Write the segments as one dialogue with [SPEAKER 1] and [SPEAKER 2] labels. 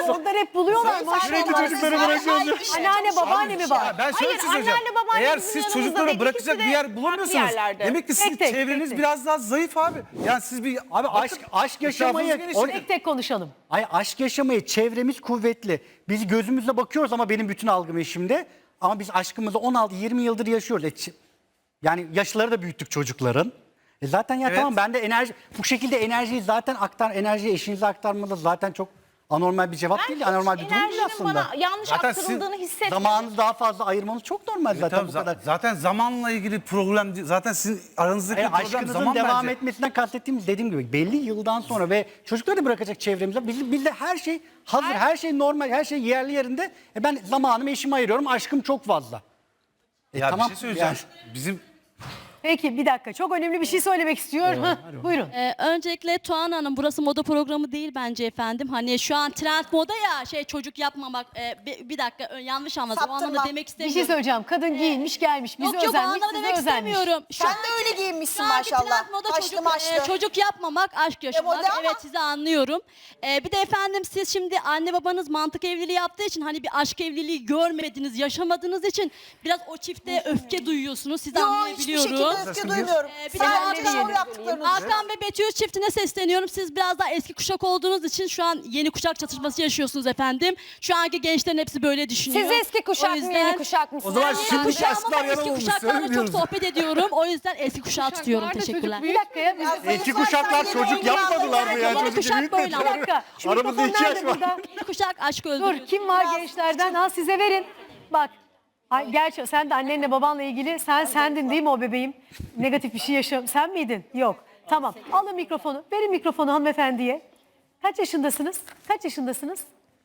[SPEAKER 1] Çocuklar hep buluyorlar maşallah.
[SPEAKER 2] Sürekli çocukları bırakıyoruz.
[SPEAKER 1] Anneanne babaanne mi var?
[SPEAKER 3] Ben şöyle bir şey söyleyeceğim.
[SPEAKER 4] anneanne, babaanne
[SPEAKER 3] Eğer
[SPEAKER 4] bizim
[SPEAKER 3] siz
[SPEAKER 4] yanımızda
[SPEAKER 3] çocukları
[SPEAKER 4] değil,
[SPEAKER 3] bırakacak
[SPEAKER 4] ikisi
[SPEAKER 3] bir
[SPEAKER 4] de
[SPEAKER 3] yer bulamıyorsunuz.
[SPEAKER 4] farklı yerlerde.
[SPEAKER 3] Demek ki sizin
[SPEAKER 1] tek,
[SPEAKER 3] çevreniz
[SPEAKER 1] tek.
[SPEAKER 3] biraz daha zayıf abi. Yani siz bir...
[SPEAKER 2] Abi aşk yaşamayı,
[SPEAKER 3] Etrafınızı genişletin.
[SPEAKER 1] Tek tek konuşalım.
[SPEAKER 2] aşk yaşamayı çevremiz kuvvetli. Biz gözümüzle bakıyoruz ama benim bütün algım eşimde. Ama biz aşkımızı 16-20 yıldır yaşıyoruz. Yani yaşları da büyüttük çocukların. Zaten ya
[SPEAKER 3] Evet.
[SPEAKER 2] tamam ben de bu şekilde enerjiyi zaten enerjiyi eşinize aktarmanız zaten çok anormal bir cevap değil. Anormal bir durum değil
[SPEAKER 4] Enerjinin
[SPEAKER 2] aslında.
[SPEAKER 4] bana yanlış
[SPEAKER 3] Zaten
[SPEAKER 4] aktarıldığını hissetmiyorum.
[SPEAKER 2] Zamanınızı daha fazla ayırmanız çok normal zaten
[SPEAKER 3] Tabii
[SPEAKER 2] bu kadar.
[SPEAKER 3] zaten zamanla ilgili problem değil. Zaten sizin aranızdaki problem
[SPEAKER 2] Aşkınızın
[SPEAKER 3] zaman
[SPEAKER 2] devam
[SPEAKER 3] bence.
[SPEAKER 2] etmesinden kastettiğimiz dediğim gibi belli yıldan sonra ve çocukları da bırakacak çevremize bizde her şey hazır, her şey normal, her şey yerli yerinde. Ben zamanımı eşime ayırıyorum, aşkım çok fazla.
[SPEAKER 3] Ya
[SPEAKER 2] tamam,
[SPEAKER 3] bir şey söyleyeceğim.
[SPEAKER 2] yani.
[SPEAKER 3] Bizim
[SPEAKER 1] Peki bir dakika çok önemli bir şey söylemek istiyor. Buyurun.
[SPEAKER 5] Öncelikle Tuğan Hanım burası moda programı değil bence efendim. Hani şu an trend moda ya çocuk yapmamak. Bir dakika yanlış anladım. O anlamda demek
[SPEAKER 1] Bir
[SPEAKER 5] istemiyorum.
[SPEAKER 1] şey söyleyeceğim. Kadın giyinmiş gelmiş. Bizi
[SPEAKER 5] Yok o
[SPEAKER 1] özenmiş,
[SPEAKER 5] anlamda
[SPEAKER 1] sizi
[SPEAKER 5] demek
[SPEAKER 1] özenmiş.
[SPEAKER 5] istemiyorum.
[SPEAKER 6] Sen de öyle giyinmişsin
[SPEAKER 5] Şu anki
[SPEAKER 6] maşallah.
[SPEAKER 5] trend moda
[SPEAKER 6] Haşlı maşlı.
[SPEAKER 5] çocuk yapmamak, aşk yaşamak.
[SPEAKER 6] moda ama-
[SPEAKER 5] Evet sizi anlıyorum. Bir de efendim siz şimdi anne babanız mantık evliliği yaptığı için hani bir aşk evliliği görmediniz, yaşamadığınız için biraz o çifte öfke duyuyorsunuz. Sizi
[SPEAKER 6] Yo, hiçbir
[SPEAKER 5] anlayabiliyorum.
[SPEAKER 6] şekilde öfke duymuyorum.
[SPEAKER 5] Bir de
[SPEAKER 6] Sadece
[SPEAKER 5] Hakan-
[SPEAKER 6] doğru yaptıklarınızı.
[SPEAKER 5] Hakan ve Betül çiftine sesleniyorum. Siz biraz daha eski kuşak olduğunuz için şu an yeni kuşak çatışması yaşıyorsunuz efendim. Şu anki gençlerin hepsi böyle düşünüyor.
[SPEAKER 4] Siz eski kuşak
[SPEAKER 5] O
[SPEAKER 4] mı
[SPEAKER 5] yüzden-
[SPEAKER 4] yeni kuşak mısınız?
[SPEAKER 3] O zaman
[SPEAKER 5] Ben yeni
[SPEAKER 3] şimdi
[SPEAKER 5] kuşağım ama
[SPEAKER 3] kuşaklar
[SPEAKER 5] eski
[SPEAKER 3] yanılmış,
[SPEAKER 5] kuşaklarla çok
[SPEAKER 3] söylemiyoruz.
[SPEAKER 5] sohbet ediyorum. O yüzden eski kuşağı tutuyorum. Teşekkürler.
[SPEAKER 1] Bir dakika ya.
[SPEAKER 2] Eski kuşaklar çocuk yapmadılar mı ya?
[SPEAKER 5] Yeni
[SPEAKER 2] Çocuk
[SPEAKER 5] kuşak böyle
[SPEAKER 2] büyütmediler.
[SPEAKER 5] ama.
[SPEAKER 1] Bir dakika. Şu
[SPEAKER 2] Aramızda
[SPEAKER 1] mikrofon
[SPEAKER 2] 2 yaş
[SPEAKER 1] nerede
[SPEAKER 2] var.
[SPEAKER 1] burada?
[SPEAKER 5] Yeni kuşak aşk öldürüyor.
[SPEAKER 1] Dur kim var gençlerden? Al size verin. Bak. Ay, gerçi sen de annenle babanla ilgili sendin değil mi o bebeğim? Negatif bir şey sen miydin? Yok. Tamam. Alın mikrofonu. Verin mikrofonu hanımefendiye. Kaç yaşındasınız? Kaç yaşındasınız?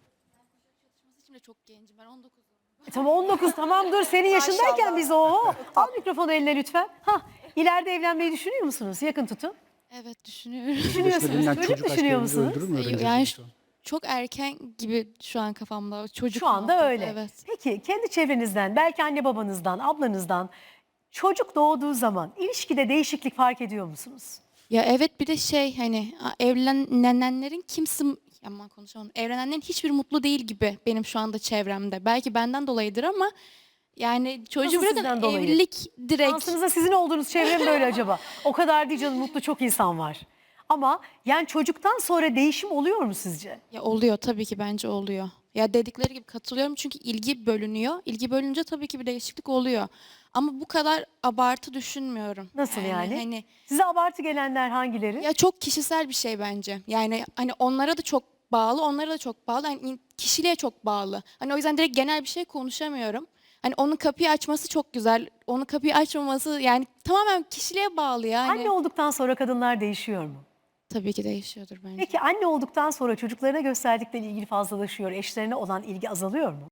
[SPEAKER 5] Şimdi çok gencim ben 19.
[SPEAKER 1] Tamam 19 tamam dur senin yaşındayken biz o. Al mikrofonu eline lütfen. İleride evlenmeyi düşünüyor musunuz? Yakın tutun.
[SPEAKER 7] Evet düşünüyorum.
[SPEAKER 1] Düşünüyorsunuz. Çocuk düşünüyor musunuz?
[SPEAKER 7] Yani çok erken gibi şu an kafamda. Çocuk
[SPEAKER 1] Şu anda
[SPEAKER 7] muhabbeti,
[SPEAKER 1] öyle.
[SPEAKER 7] Evet.
[SPEAKER 1] Peki kendi çevrenizden, belki anne babanızdan, ablanızdan çocuk doğduğu zaman ilişkide değişiklik fark ediyor musunuz?
[SPEAKER 7] Ya evet bir de hani evlenenlerin aman konuşamadım. Evlenenlerin hiçbir mutlu değil gibi benim şu anda çevremde. Belki benden dolayıdır ama yani çocuğu
[SPEAKER 1] Nasıl sizden
[SPEAKER 7] bırakın
[SPEAKER 1] dolayı?
[SPEAKER 7] evlilik direkt.
[SPEAKER 1] Şansınıza sizin olduğunuz çevrem böyle acaba? O kadar değil canım mutlu çok insan var. Ama yani çocuktan sonra değişim oluyor mu sizce?
[SPEAKER 7] Ya oluyor tabii ki bence oluyor. Ya dedikleri gibi katılıyorum çünkü ilgi bölünüyor. İlgi bölünce tabii ki bir değişiklik oluyor. Ama bu kadar abartı düşünmüyorum.
[SPEAKER 1] Nasıl yani?
[SPEAKER 7] Hani
[SPEAKER 1] Size abartı gelenler hangileri?
[SPEAKER 7] ya çok kişisel bir şey bence. Yani hani onlara da çok bağlı, onlara da çok bağlı. Hani kişiliğe çok bağlı. Hani o yüzden direkt genel bir şey konuşamıyorum. Hani onun kapıyı açması çok güzel. Onun kapıyı açmaması yani tamamen kişiliğe bağlı yani.
[SPEAKER 1] Anne olduktan sonra kadınlar değişiyor mu?
[SPEAKER 7] Tabii ki değişiyordur bence.
[SPEAKER 1] Peki anne olduktan sonra çocuklarına gösterdikleri ilgi fazlalaşıyor, eşlerine olan ilgi azalıyor mu?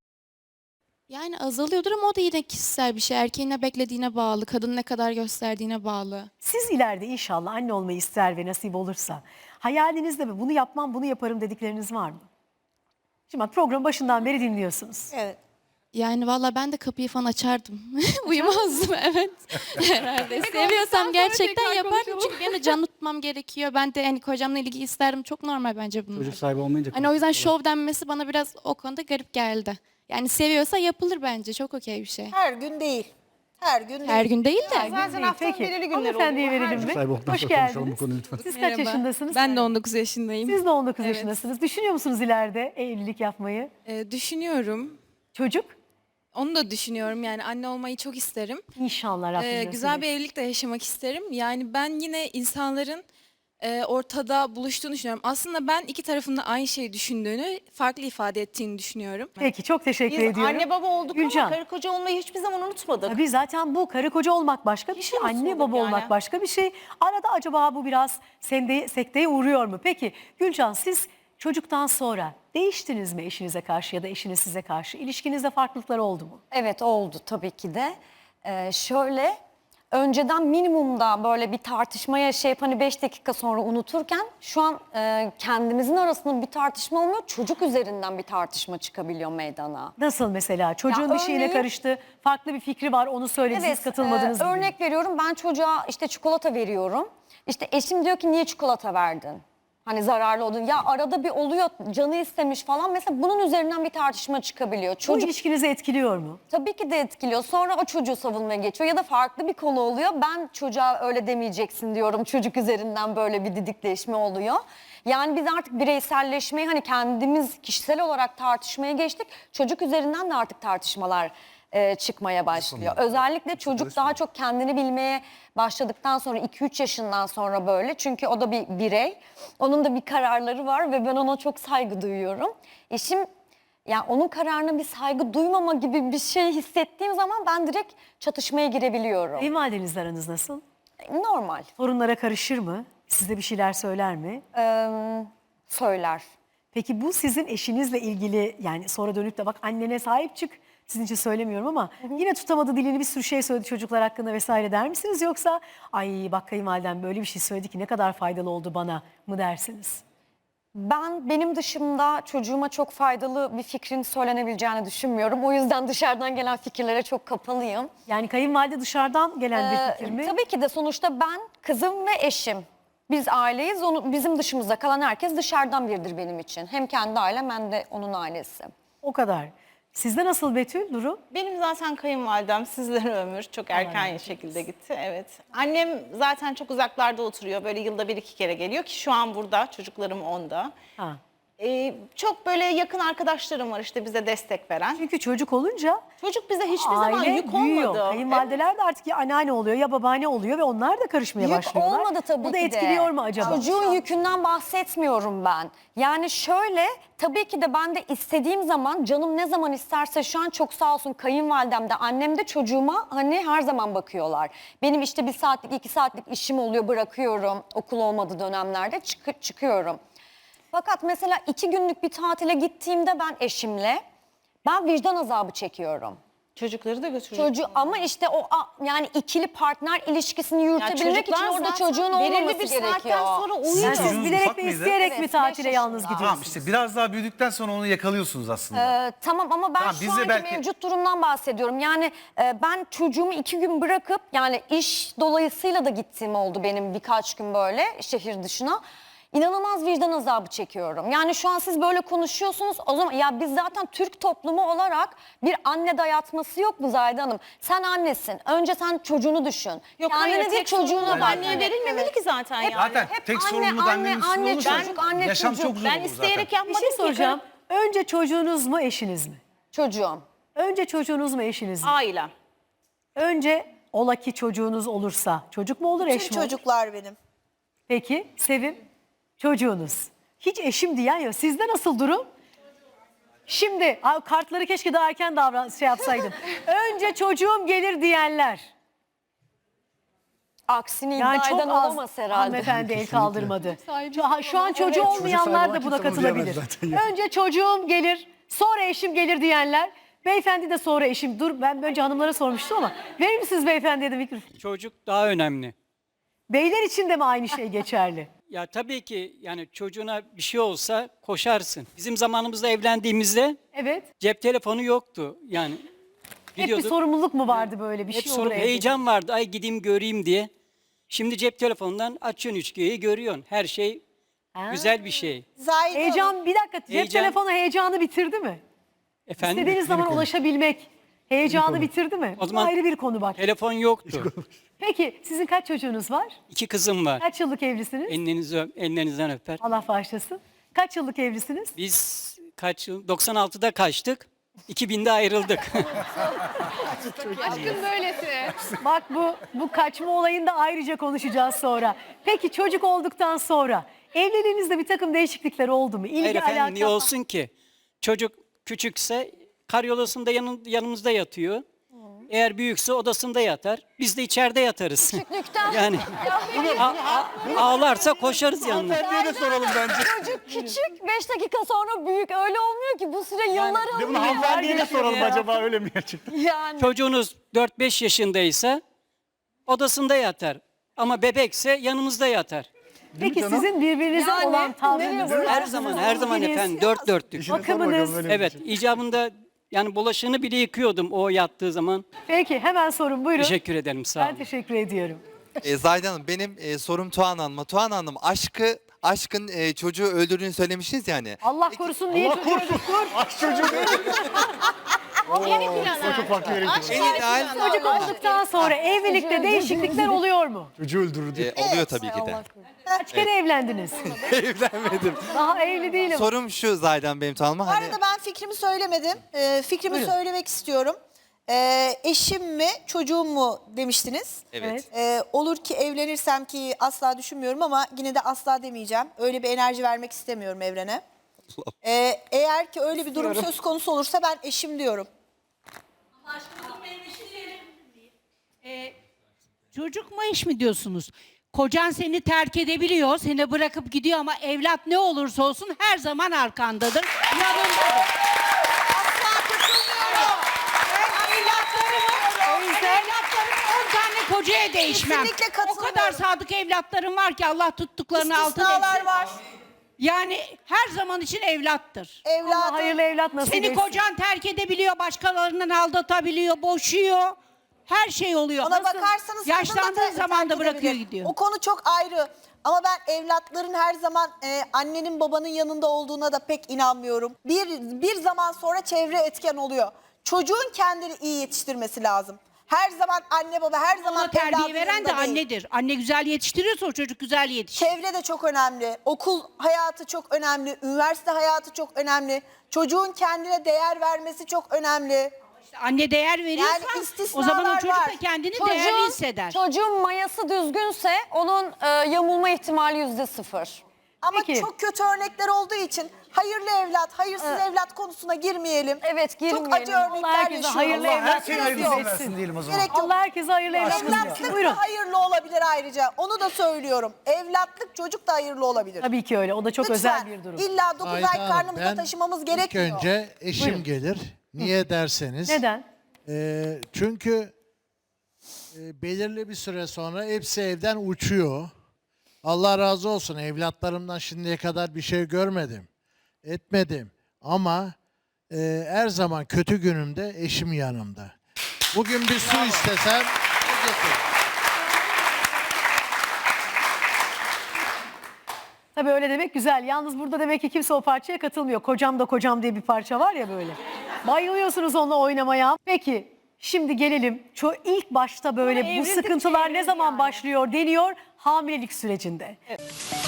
[SPEAKER 7] Yani azalıyordur ama o da yine kişisel bir şey. Erkeğin ne beklediğine bağlı, kadının ne kadar gösterdiğine bağlı.
[SPEAKER 1] Siz ileride inşallah anne olmayı ister ve nasip olursa hayalinizde mi bunu yapmam bunu yaparım dedikleriniz var mı? Şimdi bak program başından beri dinliyorsunuz.
[SPEAKER 6] Evet.
[SPEAKER 7] Yani valla ben de kapıyı falan açardım. Uyumazdım evet. Herhalde. Seviyorsam gerçekten yapardım. Çünkü benim de can tutmam gerekiyor. Ben de hani kocamla ilgi isterdim. Çok normal bence bunlar.
[SPEAKER 2] Çocuk sahibi olmayınca.
[SPEAKER 7] Hani o yüzden şov denmesi bana biraz o konuda garip geldi. Yani seviyorsa yapılır bence. Çok okey bir şey.
[SPEAKER 6] Her gün değil. Her gün değil.
[SPEAKER 7] Her gün değil de.
[SPEAKER 4] Zaten haftanın
[SPEAKER 1] Peki
[SPEAKER 4] belirli günleri
[SPEAKER 1] hanımefendiye
[SPEAKER 4] oluyor.
[SPEAKER 1] verelim mi?
[SPEAKER 2] Sahibi olduktan
[SPEAKER 1] Hoş
[SPEAKER 2] sonra konuşalım bu
[SPEAKER 1] geldiniz.
[SPEAKER 2] konuyu lütfen.
[SPEAKER 1] Siz kaç yaşındasınız?
[SPEAKER 8] Ben de 19 yaşındayım.
[SPEAKER 1] Siz de 19 yaşındasınız. Düşünüyor musunuz ileride evlilik yapmayı?
[SPEAKER 8] Düşünüyorum.
[SPEAKER 1] Çocuk?
[SPEAKER 8] Onu da düşünüyorum. Yani anne olmayı çok isterim.
[SPEAKER 1] İnşallah Rabbim nasip
[SPEAKER 8] Güzel bir
[SPEAKER 1] etsin.
[SPEAKER 8] evlilik de yaşamak isterim. Yani ben yine insanların ortada buluştuğunu düşünüyorum. Aslında ben iki tarafın da aynı şeyi düşündüğünü, farklı ifade ettiğini düşünüyorum.
[SPEAKER 1] Peki çok teşekkür
[SPEAKER 4] Biz
[SPEAKER 1] ediyorum.
[SPEAKER 4] anne baba olduk
[SPEAKER 1] Gülcan.
[SPEAKER 4] ama karı koca olmayı hiçbir zaman unutmadık.
[SPEAKER 1] Tabii zaten bu karı koca olmak başka bir şey,
[SPEAKER 4] Hiç
[SPEAKER 1] anne
[SPEAKER 4] unutmadık
[SPEAKER 1] baba
[SPEAKER 4] yani.
[SPEAKER 1] olmak başka bir şey. Arada acaba bu biraz sekteye uğruyor mu? Peki Gülcan siz çocuktan sonra değiştiniz mi eşinize karşı ya da eşiniz size karşı? İlişkinizde farklılıklar oldu mu?
[SPEAKER 9] Evet oldu tabii ki de. Şöyle önceden minimumda böyle bir tartışma yaşayıp hani 5 dakika sonra unuturken şu an kendimizin arasında bir tartışma olmuyor. Çocuk üzerinden bir tartışma çıkabiliyor meydana.
[SPEAKER 1] Nasıl mesela? Çocuğun
[SPEAKER 9] Ya
[SPEAKER 1] bir şeyine
[SPEAKER 9] örneğin-
[SPEAKER 1] karıştı, farklı bir fikri var onu söyledi siz katılmadınız gibi.
[SPEAKER 9] Örnek veriyorum ben çocuğa işte çikolata veriyorum. İşte eşim diyor ki niye çikolata verdin? Hani zararlı olduğunu. Ya arada bir oluyor, canı istemiş falan. Mesela bunun üzerinden bir tartışma çıkabiliyor.
[SPEAKER 1] Bu
[SPEAKER 9] Çocuk
[SPEAKER 1] ilişkinizi etkiliyor mu?
[SPEAKER 9] tabii ki de etkiliyor. Sonra o çocuğu savunmaya geçiyor ya da farklı bir konu oluyor. Ben çocuğa öyle demeyeceksin diyorum. Çocuk üzerinden böyle bir didikleşme oluyor. Yani biz artık bireyselleşmeyi hani kendimiz kişisel olarak tartışmaya geçtik. Çocuk üzerinden de artık tartışmalar çıkmaya başlıyor. Özellikle çocuk daha çok kendini bilmeye başladıktan sonra 2-3 yaşından sonra böyle. Çünkü o da bir birey. Onun da bir kararları var ve ben ona çok saygı duyuyorum. Eşim yani onun kararına bir saygı duymama gibi bir şey hissettiğim zaman ben direkt çatışmaya girebiliyorum.
[SPEAKER 1] Kayınvalidenizle aranız nasıl?
[SPEAKER 9] Normal.
[SPEAKER 1] Sorunlara karışır mı? Size bir şeyler söyler mi?
[SPEAKER 9] Söyler.
[SPEAKER 1] Peki bu sizin eşinizle ilgili, yani sonra dönüp de bak annene sahip çık, sizin için söylemiyorum ama yine tutamadı dilini, bir sürü şey söyledi çocuklar hakkında vesaire der misiniz? Yoksa ay bak kayınvalidem böyle bir şey söyledi ki ne kadar faydalı oldu bana mı dersiniz?
[SPEAKER 9] Benim dışımda çocuğuma çok faydalı bir fikrin söylenebileceğini düşünmüyorum. O yüzden dışarıdan gelen fikirlere çok kapalıyım.
[SPEAKER 1] Yani kayınvalide dışarıdan gelen bir fikir mi?
[SPEAKER 9] Tabii ki de sonuçta ben, kızım ve eşim. Biz aileyiz. Bizim dışımızda kalan herkes dışarıdan biridir benim için. Hem kendi ailem hem de onun ailesi.
[SPEAKER 1] O kadar. Sizde nasıl Betül durum?
[SPEAKER 4] Benim zaten kayınvalidem sizlere ömür çok erken şekilde gitti. Evet. Annem zaten çok uzaklarda oturuyor. Böyle yılda 1-2 kere geliyor ki şu an burada. Çocuklarım onda.
[SPEAKER 1] Ha.
[SPEAKER 4] Çok böyle yakın arkadaşlarım var işte bize destek veren.
[SPEAKER 1] Çünkü çocuk olunca
[SPEAKER 4] Çocuk bize hiçbir zaman
[SPEAKER 1] aile
[SPEAKER 4] yük
[SPEAKER 1] büyüyor.
[SPEAKER 4] olmadı.
[SPEAKER 1] Kayınvalideler de artık ya anneanne oluyor ya babaanne oluyor ve onlar da karışmaya
[SPEAKER 9] Yük
[SPEAKER 1] başlıyorlar.
[SPEAKER 9] olmadı tabii
[SPEAKER 1] Bu da
[SPEAKER 9] ki de.
[SPEAKER 1] etkiliyor mu acaba?
[SPEAKER 9] Çocuğun yükünden bahsetmiyorum ben. Yani şöyle, tabii ki de ben de istediğim zaman, canım ne zaman isterse, şu an çok sağ olsun kayınvalidem de annem de çocuğuma hani her zaman bakıyorlar. Benim işte 1 saatlik 2 saatlik işim oluyor, bırakıyorum okul olmadığı dönemlerde çıkıyorum. Fakat mesela 2 günlük bir tatile gittiğimde ben eşimle vicdan azabı çekiyorum.
[SPEAKER 4] Çocukları da götürüyor.
[SPEAKER 9] Ama işte yani ikili partner ilişkisini yürütebilmek için orada çocuğun olmaması
[SPEAKER 4] belirli bir
[SPEAKER 9] gerekiyor.
[SPEAKER 4] saatten sonra uyuyor.
[SPEAKER 1] Yani siz
[SPEAKER 3] Çocuğunuz
[SPEAKER 1] bilerek
[SPEAKER 3] ufak
[SPEAKER 1] ve
[SPEAKER 3] mıydı?
[SPEAKER 1] isteyerek mi
[SPEAKER 9] Evet,
[SPEAKER 1] tatile
[SPEAKER 9] 5
[SPEAKER 1] yalnız
[SPEAKER 9] yaşında.
[SPEAKER 1] gidiyorsunuz?
[SPEAKER 3] Tamam işte biraz daha büyüdükten sonra onu yakalıyorsunuz aslında.
[SPEAKER 9] Tamam ama ben
[SPEAKER 3] Tamam,
[SPEAKER 9] şu
[SPEAKER 3] biz de
[SPEAKER 9] anki
[SPEAKER 3] belki-
[SPEAKER 9] mevcut durumdan bahsediyorum. Yani ben çocuğumu 2 gün bırakıp, yani iş dolayısıyla da gittiğim oldu benim birkaç gün böyle şehir dışına. İnanılmaz vicdan azabı çekiyorum. Yani şu an siz böyle konuşuyorsunuz. O zaman ya biz zaten Türk toplumu olarak bir anne dayatması yok mu Zahide Hanım? Sen annesin. Önce sen çocuğunu düşün.
[SPEAKER 4] Yok
[SPEAKER 9] Kendine
[SPEAKER 4] hayır,
[SPEAKER 9] değil,
[SPEAKER 4] tek
[SPEAKER 9] çocuğuna
[SPEAKER 4] sorumluluk
[SPEAKER 9] bak.
[SPEAKER 4] anneye verilmemeli ki zaten yani.
[SPEAKER 3] Zaten
[SPEAKER 9] hep
[SPEAKER 3] tek
[SPEAKER 9] anne,
[SPEAKER 3] sorumluluk
[SPEAKER 9] anne,
[SPEAKER 3] annenin üstünde
[SPEAKER 9] anne,
[SPEAKER 3] olursa
[SPEAKER 9] çocuk, anne,
[SPEAKER 3] yaşam
[SPEAKER 9] çocuk.
[SPEAKER 3] çok zor
[SPEAKER 4] Ben
[SPEAKER 3] olur
[SPEAKER 4] isteyerek
[SPEAKER 3] zaten.
[SPEAKER 1] Bir
[SPEAKER 4] yapmadım
[SPEAKER 1] şey
[SPEAKER 4] ki.
[SPEAKER 1] soracağım. Önce çocuğunuz mu eşiniz mi?
[SPEAKER 9] Çocuğum.
[SPEAKER 1] Önce çocuğunuz mu eşiniz mi?
[SPEAKER 4] Ailem.
[SPEAKER 1] Önce ola ki çocuğunuz olursa çocuk mu olur eş
[SPEAKER 6] Tüm
[SPEAKER 1] mi olur?
[SPEAKER 6] çocuklar benim.
[SPEAKER 1] Peki Sevim, çocuğunuz. Hiç eşim diyen yok. Sizde nasıl durum? Şimdi kartları keşke daha erken yapsaydım. Önce çocuğum gelir diyenler.
[SPEAKER 9] Aksini
[SPEAKER 1] Yani
[SPEAKER 9] iddia
[SPEAKER 1] çok
[SPEAKER 9] eden
[SPEAKER 1] az
[SPEAKER 9] olamaz herhalde.
[SPEAKER 1] hanımefendi el kaldırmadı. Şu an çocuğu olmayanlar da buna
[SPEAKER 2] Çocuk sahibi
[SPEAKER 1] katılabilir.
[SPEAKER 2] kimse bunu diyemez
[SPEAKER 1] Önce çocuğum gelir, sonra eşim gelir diyenler. Beyefendi de sonra eşim. Dur ben önce hanımlara sormuştum ama. Verir misiniz beyefendiye de mikrofonu?
[SPEAKER 10] Çocuk daha önemli.
[SPEAKER 1] Beyler için de mi aynı şey geçerli?
[SPEAKER 10] Ya tabii ki yani çocuğuna bir şey olsa koşarsın. Bizim zamanımızda evlendiğimizde
[SPEAKER 1] Evet.
[SPEAKER 10] cep telefonu yoktu. Yani
[SPEAKER 1] Hep bir
[SPEAKER 10] gidiyorduk,
[SPEAKER 1] sorumluluk mu vardı böyle bir
[SPEAKER 10] hep
[SPEAKER 1] şey
[SPEAKER 10] sorun,
[SPEAKER 1] olur evde?
[SPEAKER 10] heyecan vardı. Ay gideyim göreyim diye. Şimdi cep telefonundan açıyorsun üçgeyi görüyorsun. Her şey güzel bir şey.
[SPEAKER 6] Zahide Hanım,
[SPEAKER 1] Heyecan, bir dakika, cep
[SPEAKER 10] Heyecan.
[SPEAKER 1] telefonu heyecanı bitirdi mi?
[SPEAKER 10] Efendim?
[SPEAKER 1] İstediğiniz zaman ulaşabilmek heyecanı bitirdi mi?
[SPEAKER 10] O
[SPEAKER 1] Bu
[SPEAKER 10] zaman
[SPEAKER 1] ayrı bir konu bak.
[SPEAKER 10] Telefon yoktu.
[SPEAKER 1] Peki sizin kaç çocuğunuz var?
[SPEAKER 10] 2 kızım var.
[SPEAKER 1] Kaç yıllık evlisiniz?
[SPEAKER 10] Ellerinizden öper.
[SPEAKER 1] Allah bağışlasın. Kaç yıllık evlisiniz?
[SPEAKER 10] Biz kaç yıl? 96'da kaçtık. 2000'de ayrıldık.
[SPEAKER 1] Bak bu kaçma olayını da ayrıca konuşacağız sonra. Peki çocuk olduktan sonra evliliğinizde bir takım değişiklikler oldu mu? İlgi
[SPEAKER 10] Hayır efendim
[SPEAKER 1] alaka
[SPEAKER 10] niye olsun ki? Çocuk küçükse karyolasında yanımızda yatıyor. Eğer büyükse odasında yatar. Biz de içeride yatarız.
[SPEAKER 9] Küçüklükten.
[SPEAKER 10] Yani ağlarsa koşarız yanına.
[SPEAKER 2] Hanımefendiye de soralım bence.
[SPEAKER 9] Çocuk küçük, 5 dakika sonra büyük. Öyle olmuyor ki, bu süre yıllar
[SPEAKER 2] Değil mi?
[SPEAKER 9] alıyor.
[SPEAKER 2] Hanımefendiye de soralım
[SPEAKER 10] ya.
[SPEAKER 2] acaba öyle mi gerçekten?
[SPEAKER 9] Yani.
[SPEAKER 10] Çocuğunuz 4-5 yaşındaysa odasında yatar. Ama bebekse yanımızda yatar.
[SPEAKER 1] Peki sizin birbirinize
[SPEAKER 9] Yani,
[SPEAKER 1] olan
[SPEAKER 9] nereye
[SPEAKER 1] tavrınız?
[SPEAKER 9] bıraktınız?
[SPEAKER 10] Her zaman
[SPEAKER 1] ilginiz,
[SPEAKER 10] efendim dört dörtlük.
[SPEAKER 2] İşine sor
[SPEAKER 1] bakımınız.
[SPEAKER 2] bakalım, öyle mi?
[SPEAKER 10] Evet icabında yani bulaşığını bile yıkıyordum o yattığı zaman.
[SPEAKER 1] Peki hemen sorun buyurun.
[SPEAKER 10] Teşekkür ederim sağ
[SPEAKER 1] Ben
[SPEAKER 10] olun.
[SPEAKER 1] teşekkür ediyorum.
[SPEAKER 11] Zahide Hanım benim sorum Tuğan Hanım'a. Tuğan Hanım aşkı aşkın çocuğu öldürdüğünü söylemiştiniz yani.
[SPEAKER 1] Allah korusun niye çocuğu öldürdün?
[SPEAKER 2] Aşk çocuğu değil. Çok farklı yere gidiyor.
[SPEAKER 1] Çocuk olduktan sonra evlilikte değişiklikler oluyor mu?
[SPEAKER 2] Çocuğu öldürdü.
[SPEAKER 11] Oluyor tabii ki de.
[SPEAKER 1] Kaç kere evlendiniz?
[SPEAKER 11] Evlenmedim.
[SPEAKER 1] Daha evli değilim.
[SPEAKER 11] Sorum şu Zahide Benim Hanım'a.
[SPEAKER 6] Bu
[SPEAKER 11] Hani,
[SPEAKER 6] arada ben fikrimi söylemedim. Fikrimi söylemek istiyorum. Eşim mi çocuğum mu demiştiniz.
[SPEAKER 11] evet.
[SPEAKER 6] Olur ki evlenirsem, ki asla düşünmüyorum ama yine de asla demeyeceğim. Öyle bir enerji vermek istemiyorum evrene. Eğer ki öyle bir durum söz konusu olursa ben eşim diyorum.
[SPEAKER 12] Çocuk mu eş mi diyorsunuz? Kocan seni terk edebiliyor, seni bırakıp gidiyor ama evlat ne olursa olsun her zaman arkandadır, yanındadır.
[SPEAKER 6] Asla katılmıyorum. Ben
[SPEAKER 12] Evlatlarım 10 tane kocaya değişmem.
[SPEAKER 6] Kesinlikle
[SPEAKER 12] O
[SPEAKER 6] katılmıyorum.
[SPEAKER 12] kadar sadık evlatlarım var ki Allah tuttuklarını altın
[SPEAKER 6] istisnalar
[SPEAKER 12] etsin.
[SPEAKER 6] var.
[SPEAKER 12] Yani her zaman için evlattır.
[SPEAKER 1] Allah
[SPEAKER 6] Evladım.
[SPEAKER 1] hayırlı evlat nasip
[SPEAKER 12] Seni
[SPEAKER 1] etsin.
[SPEAKER 12] kocan terk edebiliyor, başkalarından aldatabiliyor, boşuyor. Her şey oluyor.
[SPEAKER 6] Ona bakarsanız
[SPEAKER 12] Yaşlandığı
[SPEAKER 6] kadın da
[SPEAKER 12] zaman da
[SPEAKER 6] terk
[SPEAKER 12] bırakıyor
[SPEAKER 6] edebilir.
[SPEAKER 12] gidiyor.
[SPEAKER 6] O konu çok ayrı. Ama ben evlatların her zaman annenin babanın yanında olduğuna da pek inanmıyorum. Bir zaman sonra çevre etken oluyor. Çocuğun kendini iyi yetiştirmesi lazım. Her zaman anne baba, her zaman
[SPEAKER 12] Ona terbiye
[SPEAKER 6] evladın
[SPEAKER 12] veren de
[SPEAKER 6] yanında değil.
[SPEAKER 12] annedir. Anne güzel yetiştiriyorsa o çocuk güzel yetişir.
[SPEAKER 6] Çevre de çok önemli. Okul hayatı çok önemli. Üniversite hayatı çok önemli. Çocuğun kendine değer vermesi çok önemli.
[SPEAKER 12] İşte anne değer veriyorsa
[SPEAKER 6] Yani
[SPEAKER 12] o zaman o
[SPEAKER 6] istisnalar
[SPEAKER 12] çocuk
[SPEAKER 6] var.
[SPEAKER 12] da kendini değerli hisseder.
[SPEAKER 9] Çocuğun mayası düzgünse onun yamulma ihtimali %0.
[SPEAKER 6] Ama
[SPEAKER 1] Peki.
[SPEAKER 6] çok kötü örnekler olduğu için hayırlı evlat, hayırsız evlat konusuna girmeyelim.
[SPEAKER 9] Evet,
[SPEAKER 6] Çok
[SPEAKER 9] girmeyelim.
[SPEAKER 6] acı örnekler
[SPEAKER 1] herkese
[SPEAKER 6] yaşıyoruz.
[SPEAKER 1] hayırlı
[SPEAKER 2] Allah
[SPEAKER 1] evlat
[SPEAKER 2] herkese
[SPEAKER 1] nasip
[SPEAKER 2] hayırlısını
[SPEAKER 1] etsin.
[SPEAKER 2] versin diyelim o zaman.
[SPEAKER 6] Gerek yok.
[SPEAKER 1] Allah herkese hayırlı evlat nasip etsin.
[SPEAKER 6] Evlatlık
[SPEAKER 1] Buyurun.
[SPEAKER 6] da hayırlı olabilir ayrıca. Onu da söylüyorum. Evlatlık çocuk da hayırlı olabilir.
[SPEAKER 1] Tabii ki öyle. O da çok
[SPEAKER 6] Lütfen.
[SPEAKER 1] özel bir durum.
[SPEAKER 6] İlla 9 ay
[SPEAKER 13] Zahide Hanım,
[SPEAKER 6] karnımızda
[SPEAKER 13] ben
[SPEAKER 6] taşımamız
[SPEAKER 13] İlk
[SPEAKER 6] gerekmiyor.
[SPEAKER 13] önce eşim
[SPEAKER 1] Buyurun.
[SPEAKER 13] gelir. Niye derseniz.
[SPEAKER 1] Neden?
[SPEAKER 13] Çünkü belirli bir süre sonra hepsi evden uçuyor. Allah razı olsun, evlatlarımdan şimdiye kadar bir şey görmedim. Etmedim. Ama her zaman kötü günümde eşim yanımda. Bugün bir su istesem o getirir.
[SPEAKER 1] Tabii öyle demek güzel. Yalnız burada demek ki kimse o parçaya katılmıyor. Kocam da kocam diye bir parça var ya böyle. Bayılıyorsunuz onunla oynamaya. Peki şimdi gelelim. İlk başta böyle bu
[SPEAKER 12] evrildikçe
[SPEAKER 1] sıkıntılar ne
[SPEAKER 12] evrildi
[SPEAKER 1] zaman
[SPEAKER 12] yani.
[SPEAKER 1] başlıyor deniyor hamilelik sürecinde.